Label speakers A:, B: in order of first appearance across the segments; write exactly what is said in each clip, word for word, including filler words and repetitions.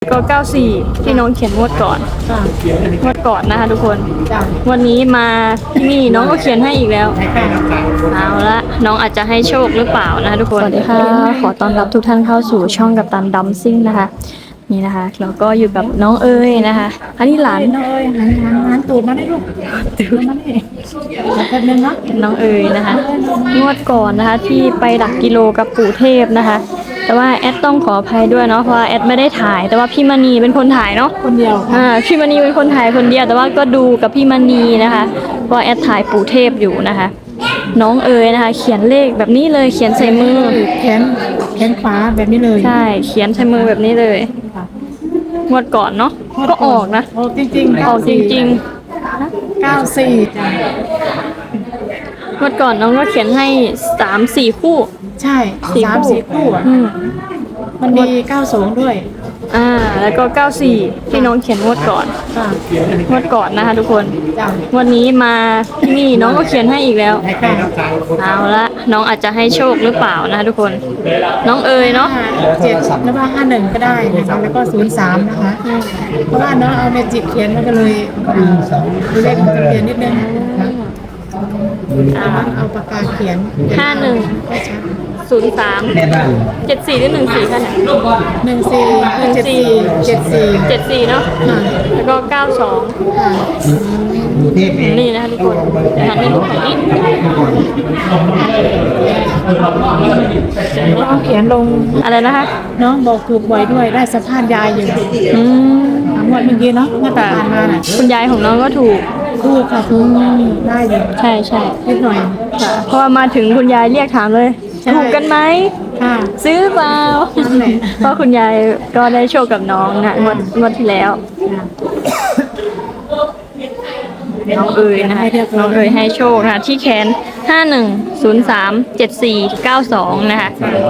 A: ก็เก้าสี่ที่น้องเขียนงวดก่อนงวดก่อนนะคะทุกคนวันนี้มาที่นี่น้องก็เขียนให้อีกแล้วเอาละน้องอาจจะให้โชคหรือเปล่านะคะทุกคนสวัสดีค่ะขอต้อนรับทุกท่านเข้าสู่ช่องกัปตันดัมซิ่งนะคะนี่นะคะแล้วก็อยู่กับน้องเอ๋ยนะคะอันนี้หลาน
B: น้องเอ๋ยหันหันหันตูดมาได้ลูกตูดมาได้แป๊บนึงเนาะ
A: น้องเอ๋ยนะคะงวดก่อนนะคะที่ไปหลักกิโลกับปู่เทพนะคะแต่ว่าแอดต้องขออภัยด้วยเนาะเพราะว่าแอดไม่ได้ถ่ายแต่ว่าพี่มณีเป็นคนถ่ายเนาะ
B: คนเดียว
A: อ่าพี่มณีเป็นคนถ่ายคนเดียวแต่ว่าก็ดูกับพี่มณีนะคะเพราะแอดถ่ายปู่เทพอยู่นะคะน้องเอ๋ยนะคะเขียนเลขแบบนี้เลยเขียนใส่มือ
B: แขนแขนขวาแบบนี้เลย
A: ใช่เขียนใส่มือแบบนี้เลยงวดก่อนเนาะก็ออกนะ
B: ออกจริงๆ
A: ออกจริง
B: ๆเก้าสี่จ้ะ
A: งวดก่อนน้องก็เขียนให้สามสี่คู่
B: ใช่สามสี่คู่อ่ะมันมีเก้าสองด้วย
A: อ่าแล้วก็เก้าสี่ที่น้องเขียนงวดก่อนงวดก่อนนะคะทุกคนวันนี้มาที่นี่น้องก็เขียนให้อีกแล้วเอาละน้องอาจจะให้โชคหรือเปล่านะคะทุกคนน้องเอ๋ยเนาะ
B: เจ็ดแล้วว่าห้าหนึ่งก็ได้นะคะแล้วก็ศูนย์สามนะคะเพราะว่าน้องเอาเมจิกเขียนมันก็เลยเลขมันจะเปลี่ยนนิดนึงเอาปากกาเขียน
A: ห้าหนึ่งศูนย์สามเจ็ดสี่หรือหนึ่งสี่ค่ะเนี่ย
B: หนึ่งสี่เจ็ดสี่เจ็ดสี่
A: เจ็ดสี่เนาะแล้วก็เก้าสองนี่นะคะทุกคนหันให้ดูหน่อยนี่
B: น้องเขียนลง
A: อะไรนะคะ
B: น้องบอกถูกบ่อยด้วยได้สัมภาษณ์ยายอยู่
A: อืม
B: หมดเมื่อกี้เนาะเมื่อผ่านมาน่ะ
A: คุณยายของน้องก็ถูก
B: ถูกค่ะถูกได้เลย
A: ใช่ใช่
B: นิดหน่อย
A: ค่ะเพราะว่ามาถึงคุณยายเรียกถามเลยถูกกันไหม
B: ค่ะ
A: ซื้อเปล่าเพราะคุณยายก็ได้โชคกับน้องนะงวดงวดที่แล้วน้องเอ๋ยนะคะน้องเอ๋ยให้โชคนะคะที่แขนห้าหนึ่งศูนย์สามเจ็ดสี่เก้าสองนะคะ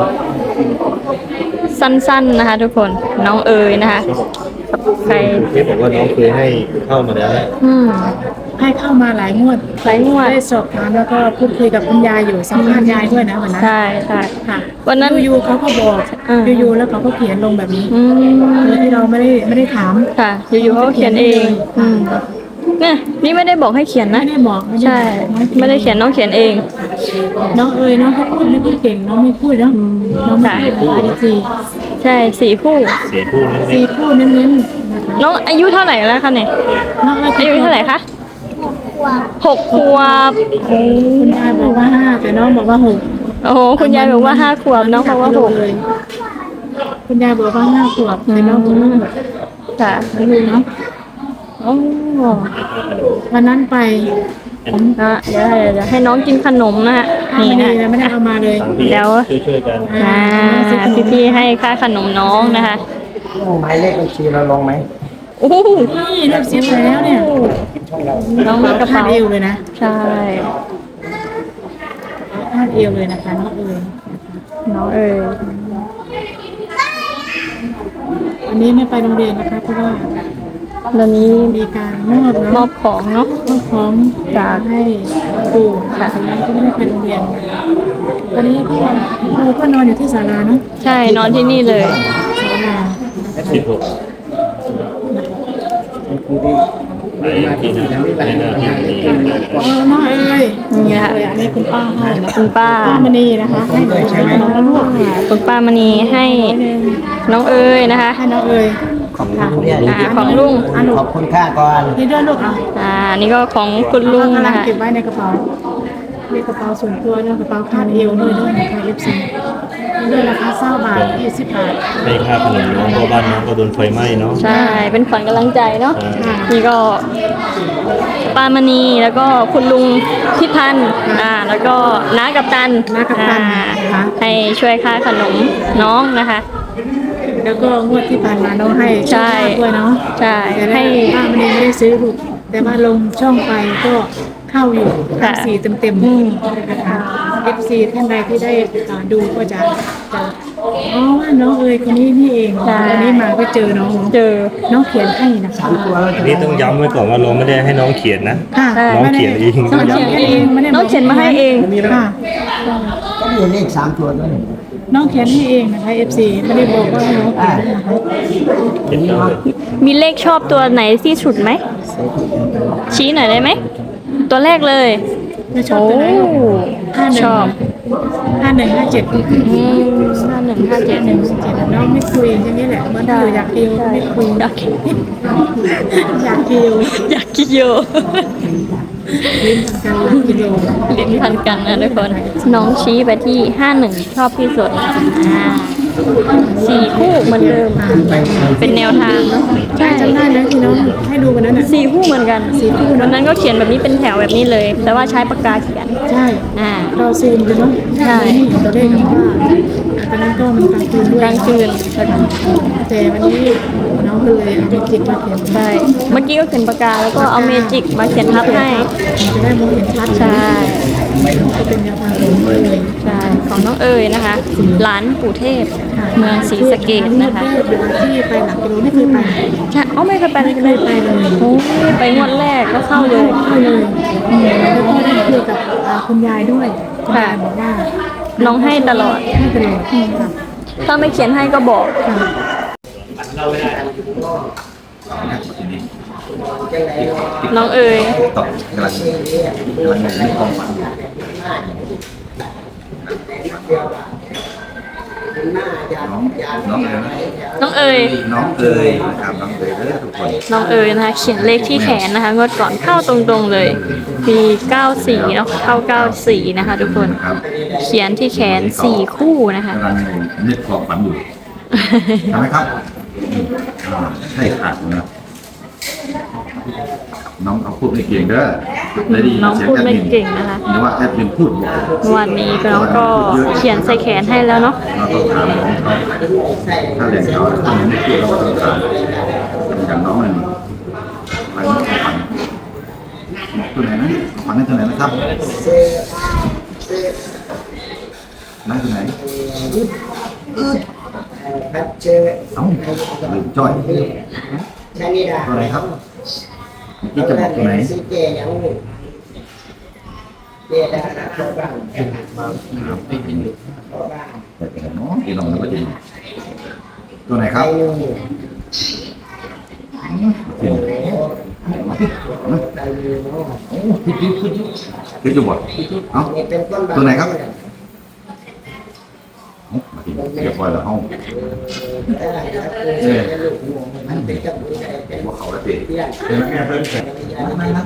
A: สั้นๆนะคะทุกคนน้องเอ๋ยนะคะใคร
C: ที่บอกว่าน้องเคยให้เข้ามาแล้ว
A: อืม
B: ให้เข้ามาหลายงวด
A: หลายงวด
B: ได้สอบถามแล้วก็พูดคุยกับคุณยายอยู่สัมภาษณ์ยายด้วยนะวันนั้น
A: ใช่ใช่
B: ค่ะ
A: วันนั้น
B: ยูเขาก็บอกยูๆแล้วเขาก็เขียนลงแบบนี้โดยที่เราไม่ได้ไม่ได้ถาม
A: ค่ะยูๆเขาเขียนเองเนี่ยนี่ไม่ได้บอกให้เขียนนะ
B: ไม่ได้บอก
A: ใช่ไม่ได้เขียนน้องเขียนเอง
B: น้องเอ๋ยน้องเขาพูดไม่ค่อยเก่งน้องไม่พูดเนาะน้องไม่พูดอะไรสี่
A: ใช่สี่คู่
C: สี่คู่
B: สี่คู่เน้น
A: ๆน้องอายุเท่าไหร่แล้วคะเนี่ย
B: น้อง
A: อายุเท่าไหร่คะหกขวบ
B: คุณยายบอกว่าห้าแต่น้องบอกว่าหก
A: โอ้โหคุณยายบอกว่าห้าขวบน้องบอกว่าหก
B: เลยคุณยายบอกว่าห้าขวบแต่น้องบอกว่าหก
A: ค่ะ
B: ไม่รู้เนาะโอ้วันนั้นไป
A: ผมก็เดี๋ยวเดี๋ยวให้น้องกินขนมนะฮะ
B: นี่นะไม่ได้เอามาเลย
A: เดี๋ยว
C: ช่วยๆกัน
A: อ่าพี่ๆให้ค่าขนมน้องนะคะ
D: หมายเลขบัญชีเราลงไหม
A: โอ้โห
B: นี่เรียบเสียแล้วเนี่ย
A: น้องมีกระเป๋า
B: เอวเลยนะ
A: ใช่
B: คาดเอวเลยนะคะน้องเอ๋ย
A: น้องเอ๋ย
B: วันนี้ไม่ไปโรงเรียนนะคะเพราะว่า
A: ตอนนี้
B: มีการมอบ
A: มอบของเนาะ
B: มอบของจากให้ครูค่ะก็ไม่ได้ไปโรงเรียนตอนนี้ครูก็นอนอยู่ที่ศาลาเนาะ
A: ใช่นอนที่นี่เลย
B: ศาลา
C: สิบหก
B: อ๋อน้องเอ๋ย
A: นี่ค่ะ
B: อันนี้คุณป้าให้
A: คุณป้า
B: ป้ามณีนะคะให้น้องลูก
A: คุณป้ามณีให้น้องเอ๋ยนะคะ
B: ให้น้องเอ๋ย
D: ของลุง
A: อ่าของลุง
D: ขอบคุณค่าก่อน
B: นี่ด้วยลูกอ่ะ
A: อ่านี่ก็ของคุณลุงนะคะ
B: เก็บไว้ในกระเป๋าในกระเป๋าส่วนตัวด้วยกระเป๋าคาดเอวด้วยด้วยนะคะเอฟซีด้วยราคาเศร้าบาทยี่สิบบาท
C: ให้ค่าขนมน้องเพราะบ้านน้องก็โดนไฟไหม้เนาะ
A: ใช่เป็นขวัญกำลังใจเนาะนี่ก็ป้ามณีแล้วก็คุณลุงพิพันธ์อ่าแล้วก็น้ากับตัน
B: น้ากับตัน
A: ให้ช่วยค่าขนมน้องนะคะ
B: แล้วก็งวดที่ผ่านมาน้องให้
A: ใช่
B: ด้วยเนาะ
A: ใช่
B: ให้ป้ามณีไม่ได้ซื้อลูกแต่ว่าลงช่องไปก็เข้าอยู่ทั้งสี่เต็มๆนะคะเอฟซีท่านใดที่ได้ดูก็จะจะอ๋อว่าน้องเอ๋ยคนนี้นี่เองวันนี้มาก็เจอน้อง
A: เจอ
B: น้องเขียนให้นะคะ
C: อันนี้ต้องย้ำไว้ก่อนว่าเราไม่ได้ให้น้องเขียนนะน้องเขียนเอง
B: น้องเขียนเอง
A: น้องเขียนมาให้เอง
B: ค่ะ
D: ก็มีเลขสามตัวด้วย
B: น้องเขียนให้เองนะคะ เอฟ ซี ไม่ได้บอกว่าให้น้องเขียนนะคะ
A: มีเลขชอบตัวไหนที่สุดไหมชี้หน่อยได้ไหมตัวแรกเลย
B: ไม่ชอบตัวไหนห้าหนึ่
A: ช
B: ง
A: อบ
B: ห้าหนึ่งห้าเจ็ด
A: อืมห้าหนึ่งห้าเจ็ด
B: หนึ่งเจ็ดน้องไม่คุยใช่ไหมแหละเหมื่อนเธออยากเดียวไม่คุย
A: อยากกิน
B: อยากเดียว
A: อยากกินโย
B: ลิ้นกันอยากเดียว
A: ลิ้นพันกันนะทุกคนน้องชี้ไปที่ห้าหนึ่งชอบที่สุดอ่าสี่คู่เหมือนเดิมเป็นแนวทางเนอะ
B: ใช่จำได้นะที่น้องให้ดูกันนั้นน่ะ
A: สี่คู่เหมือนกันสี่คู่วันนั้นก็เขียนแบบนี้เป็นแถวแบบนี้เลย แต่ว่าใช้ปากกาเขียน
B: ใช่
A: อ่า
B: เราซูมกันเนาะ
A: ใช่
B: นี่ตัวเลขกับว่าตอนนั้นก็มันกลางคืนด้วย
A: กลางคืน
B: แต่วันนี้น้องก็เลยเอาไปจิกมาเขียน
A: ใช่เมื่อกี้ก็เขียนปากกาแล้วก็เอาเมจิกมาเขียนทับให้
B: จะได้มองเห็นชัด
A: ใช่
B: จะเป็นแนวทางของเลย
A: ใช่ของน้องเอ๋ยนะคะหลานปู่เทพเมืองศรีสะเกษนะคะ
B: งวดแรกที่ไปหลักกิโลไม่เคยไป
A: ใช่อ๋อไม่เคยไป
B: ไม่เคยไปเลย
A: โอ้ยไปงวดแรกก็เข้าเลย
B: เข้าเลยอืมแล้วก็ได้คุยกับอ่าคุณยายด้วยคุณยายบอกว่า
A: น้องให้ตลอด
B: ให้ตลอดค่ะ
A: ถ้าไม่เขียนให้ก็บอก
B: ค่ะ
A: น้องเอ๋ย
E: ตอบกำลังกำลังในความฝันอยู่ น้องน้องเอ๋ย
A: น้องเอ๋ย
E: น้องเอ๋ยนะครับน้องเอ๋ยเด้อทุกคน
A: น้องเอ๋ยนะคะเขียนเลขที่แขนนะคะงวดก่อนเข้าตรงๆเลยมีเก้าสี่เนาะเข้าเก้าสี่นะคะทุกคน
E: นะครับ
A: เขียนที่แขนสี่คู่นะคะ
E: กำลังนึกความฝันอยู่ทำไหมครับอ่าใช่ขาดนะน้องเขาพูดไม่เก่งเด้อได้ดี
A: น้องพูดไม่เก่งนะคะ
E: หรือว่าแอดมินพูดบอก
A: วันนี้น้องก็เขียนใส่แขนให้แล้วเนาะ
E: เราต้องถามน้องเขาถ้าเรียนเขาถ้าไม่พูดเราก็ต้องถามอย่างน้องมันไปน้องเขาฝันตัวไหนนะฝันได้ตัวไหนนะครับนั่นตัวไหน
D: ครับเจอ
E: เอ้าลืมจ้อย
D: ชานิดา
E: ตัวไหนครับนี่จะบอกตัวไหน
D: ซีเจยังเจดาเข้าบ้านเข้าบ้าน
E: แต่เป็นเนาะที่น้องนึกว่าจริงตัวไหนครับคือจะบอกเอ้า
D: นี่เป็นต้น
E: ตัวไหนครับมาทีเรียบร้อยแล้วห้องมันเป็นกับว่าเขาละเตะเป็นแม่เพิ่นไม่นับ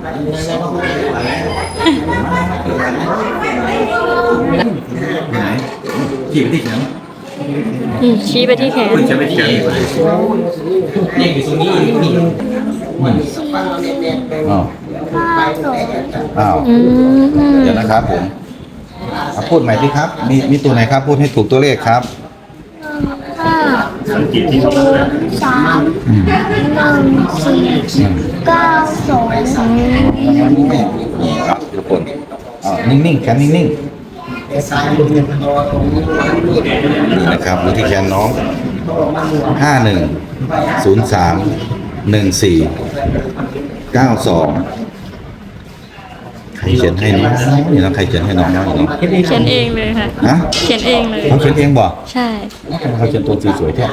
E: ไหนขี่ไปที่ไหน
A: อืมชี้ไปที่แขน
E: คุณจะไม่เขียนนี่อยู่ตรงนี้นี่อ้าวอ้าว
A: อืม
E: เดี๋ยวนะครับผมพูดใหม่ที่ครับ มีมีตัวไหนครับ พูดให้ถูกตัวเลขครับ
C: สังเกตที่เขา
F: สามหนึ่งสี่เก้าสอง
E: ครับทุกคนอ่านิ่งๆแขนนิ่งๆนี่นะครับดูที่แขนน้องห้าหนึ่งศูนย์สามหนึ่งสี่เก้าสองใครเขียนให้น้องนี่นะใครเขียนให้น้องน้องนี่
A: เขียนเองเลยค่ะ
E: ฮะ
A: เขียนเองเลย
E: เขาเขียนเองบ่
A: ใช่
E: เขาเขียนตัวสวยๆแท้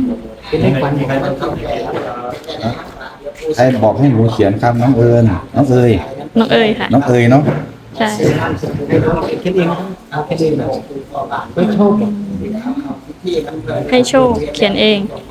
E: ใครบอกให้หนูเขียนครับน้องเอิญน้องเอ๋ย
A: น้องเอ๋ยค่ะ
E: น้องเอ๋ยเนาะ
A: ใช่
D: คิดเองเอาคิดเองแบบไม่โชค
A: ให้โชคเขียนเอง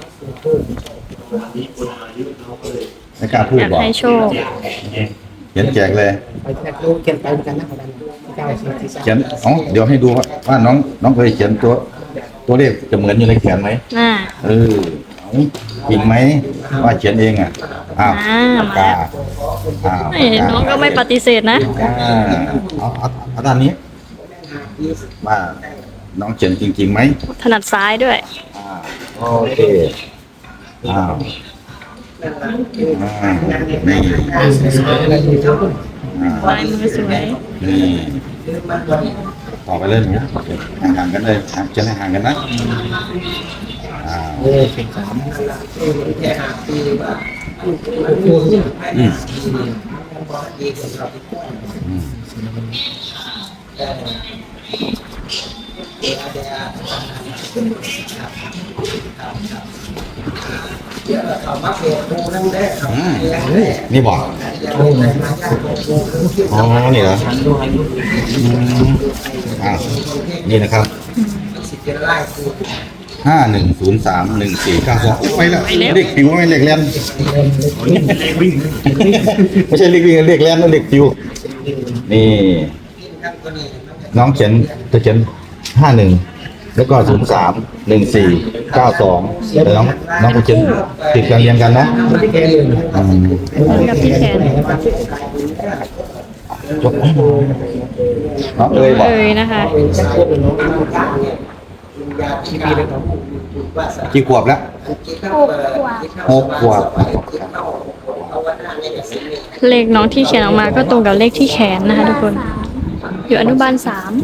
E: ไม่กล้าพูด
A: อยาก
E: บอก
A: ให้โชค
E: เขียนแจกเลย
D: ไปแค่รู้เขียนไปเหมือนกันนะคนนั้นเก้าสี่สี่สาม
E: เขียนอ๋อเดี๋ยวให้ดูว่าว่าน้องน้องเคยเขียนตัวตัวเลขจะเหมือนอยู่ในแขนไหม
A: อ่า
E: เออเอาจริงไหมว่าเขียนเองอ่ะอ้าว
A: อ่า
E: ปากกาอ้าว
A: เอ้ยน้องก็ไม่ปฏิเสธนะ
E: อ่าเอาเอาเอาด้านนี้ว่าน้องเขียนจริงๆไหม
A: ถนัดซ้ายด้วย
E: อ่าโอเคอ้าวอ่านี่อ่า
A: ลายมือสวย
E: นี่ต่อไปเลยหนูห่างๆกันเลยห่างจะให้ห่างกันนะอ่า
D: เออเป็นสามแค่ห้าปีว่า
E: อืมอืมอืมนี่บอกอ๋อนี่เหรออืมอ่านี่นะครับห้าหนึ่งศูนย์สามหนึ่งสี่เก้าสองไปแล้วเด็กผิวไม่เด็กแลนไม่ใช่เด็กวิ่งเด็กแลนนั่นเด็กผิวนี่น้องเขียนจะเขียนห้าหนึ่งแล้วก็ศูนย์สามหนึ่งสี่เก้าสองแต่น้องน้องคุณเขียนติดกันเรียงกันเนาะอืม
A: เหมือนกับที่แขน
E: ยกให้หน่อยน้องเอ้ยบอก
A: เอ่ยนะคะ
E: กี่ขวบแล้ว
F: หกขวบ
E: หกขวบ
A: เลขน้องที่เขียนออกมาก็ตรงกับเลขที่แขนนะคะทุกคน อยู่อนุบาลสาม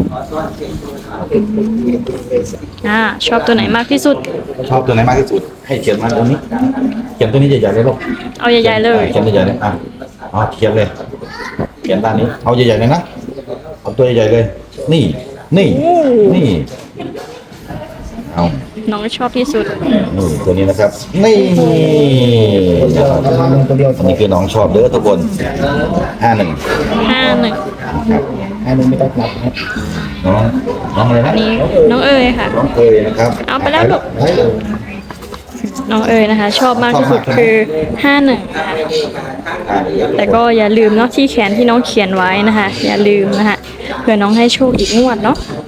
A: อ่าชอบตัวไหนมากที่สุด
E: ชอบตัวไหนมากที่สุด ให้เขียนมาตรงนี้ เขียนตัวนี้ใหญ่ๆเลยลูก
A: เอาใหญ่ๆเลย
E: เขียนใหญ่ๆเลยอ่ะเอาเขียนเลย เขียนด้านนี้ เอาใหญ่ๆเลยนะ เอาตัวใหญ่ๆเลย นี่ นี่ นี่ เอา
A: น้องชอบที่สุด
E: นี่ตัวนี้นะครับ นี่นะครับอันนี้คือน้องชอบเด้อทุกคนห้าหนึ่ง
A: ห้าหนึ่ง
D: อันนี้ไม่ต้องนับครับ
E: น้อง น้องอะไรนะ
A: อันนี้น้องเอ๋ยค่ะ
E: น้องเคยนะครับ
A: เอาไปแล้วลูก
E: ไปเลย
A: น้องเอ๋ยนะคะ ชอบมากที่สุดคือห้าหนึ่ง แต่ก็อย่าลืมเนาะที่แขนที่น้องเขียนไว้นะคะ อย่าลืมนะคะเผื่อน้องให้โชคอีกงวดเนาะ